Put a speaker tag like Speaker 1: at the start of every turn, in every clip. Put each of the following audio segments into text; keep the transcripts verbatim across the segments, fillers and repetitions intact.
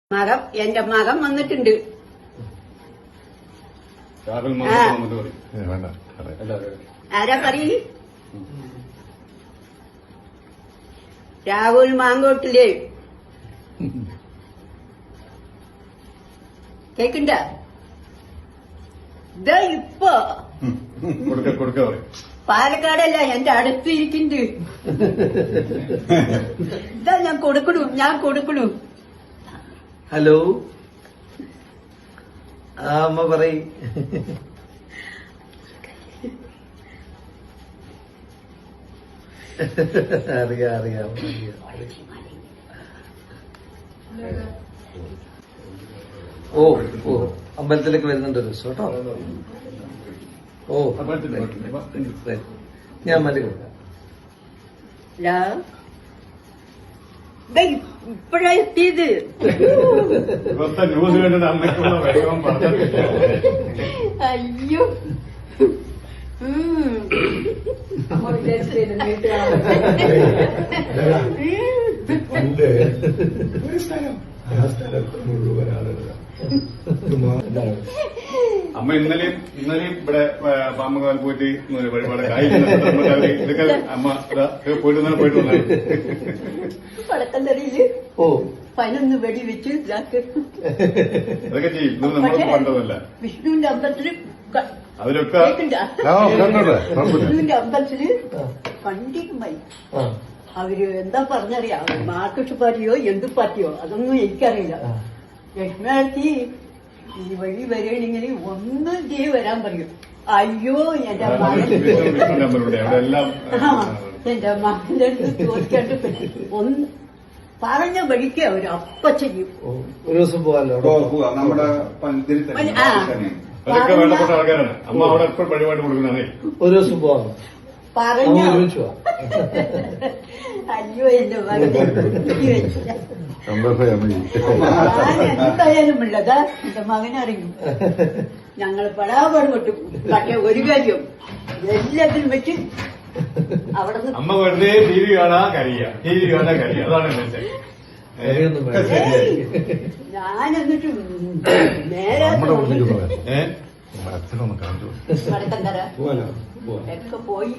Speaker 1: മകൻ എന്റെ മകൻ വന്നിട്ടുണ്ട്. ആരാ പറയ്? രാഹുൽ മാങ്കോട്ടില്ലേ? കേക്കണ്ട? ഇതാ ഇപ്പൊ പാലക്കാടല്ല എന്റെ അടുത്ത് ഇരിക്കുന്നുണ്ട്. ഇതാ ഞാൻ കൊടുക്കണു ഞാൻ കൊടുക്കണു.
Speaker 2: ഹലോ, ആ അമ്മ പറയ്. അറിയാം അറിയാം ഓ ഓ അമ്പലത്തിലേക്ക് വരുന്നുണ്ട് ഒരു ദിവസം കേട്ടോ. ഓ ഞാൻ മതി കൊടുക്കാം.
Speaker 1: ഇപ്പഴാ എത്തിയത്.
Speaker 3: ന്യൂസ് കണ്ടിട്ട് അമ്മയ്ക്കുള്ള വേഗം പറഞ്ഞു.
Speaker 1: അയ്യോ
Speaker 3: അമ്മ ഇന്നലെയും ഇന്നലെയും ഇവിടെ പാമ്പുകാൽ പോയിട്ട് വഴിപാട് ഇതൊക്കെ അമ്മ പോയിട്ട് തന്നെ പോയിട്ട് വന്നു.
Speaker 1: പടക്കന്തറിയില്
Speaker 2: ഓ
Speaker 1: പതിനൊന്ന് വെടി വെച്ച്
Speaker 3: അതൊക്കെ ചെയ്യും. ഇത് നമ്മൾ കണ്ടതല്ല.
Speaker 1: വിഷ്ണുവിന്റെ അമ്പലത്തില്
Speaker 3: അതിലൊക്കെ
Speaker 1: വിഷ്ണുവിന്റെ അമ്പലത്തില് കണ്ടിട്ടുമായി. അവര് എന്താ പറഞ്ഞറിയാം, മാർക്സിസ്റ്റ് പാർട്ടിയോ എന്ത് പാർട്ടിയോ അതൊന്നും എനിക്കറിയില്ല. ലക്ഷ്മി ഈ വഴി വരികയാണെങ്കിൽ ഒന്നും ചെയ്ത് വരാൻ പറയും. അയ്യോ എന്റെ മകൻ എന്റെ മകന്റെ അടുത്ത് ചോദിക്കാണ്ട് ഒന്ന് പറഞ്ഞ വഴിക്ക് അവര് അപ്പ ചെയ്യും.
Speaker 2: ഒരു ദിവസം പോകാമല്ലോ.
Speaker 3: അതൊക്കെ വേണ്ടപ്പെട്ട ആൾക്കാരാണ്. അമ്മ അവിടെ എപ്പോഴും വഴിപാട് കൊടുക്കുന്നതാണേ.
Speaker 2: ഒരു ദിവസം പോകാം
Speaker 1: പറഞ്ഞ
Speaker 2: ഒരുമിച്ച് പോവാം.
Speaker 1: അയ്യോ എന്റെ മകൻ എന്തായാലും ഉള്ളതാ എന്റെ മകനറിയും. ഞങ്ങൾ പെടാപാട് പെട്ടു. പക്ഷെ ഒരു കാര്യം എല്ലാത്തിനും വെച്ച് അവിടെ
Speaker 3: അമ്മ വെറുതെ ടി വി കാണാ കരിയ ടി വി കാണാ കരിയ അതാണ്
Speaker 1: ഞാൻ എന്നിട്ട് നേരെ വടക്കന്തര ഒക്കെ പോയി.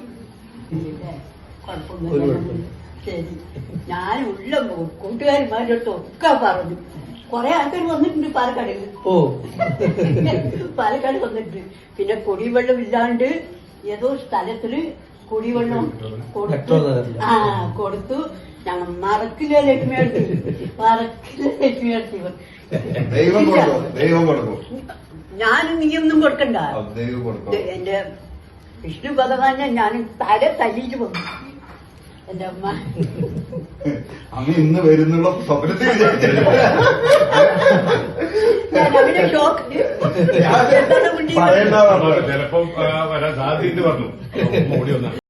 Speaker 1: ശരി, ഞാൻ ഉള്ള കൂട്ടുകാരന്മാരുടെ അടുത്ത് ഒക്കെ പറഞ്ഞു. കൊറേ ആൾക്കാർ വന്നിട്ടുണ്ട് പാലക്കാട്.
Speaker 2: ഓ
Speaker 1: പാലക്കാട് വന്നിട്ടുണ്ട്. പിന്നെ കുടിവെള്ളം ഇല്ലാണ്ട് ഏതോ സ്ഥലത്തില് കുടിവെള്ളം കൊടുത്തു. ആ കൊടുത്തു. ഞങ്ങൾ മറക്കില്ല ലക്ഷ്മി അടുത്ത് മറക്കില്ല ലക്ഷ്മി അടുത്ത് ഞാനും നീയൊന്നും കൊടുക്കണ്ട. എന്റെ വിഷ്ണു ഭഗവാനെ ഞാൻ തല തല്ലിച്ചു വന്നു. എന്റെ അമ്മ
Speaker 3: അമ്മ ഇന്ന് വരുന്നുള്ള സ്വപ്നത്തിൽ
Speaker 1: അവന്റെ ഷോക്ക്
Speaker 3: ചിലപ്പം വരാൻ സാധ്യത പറഞ്ഞു. ഓടി വന്ന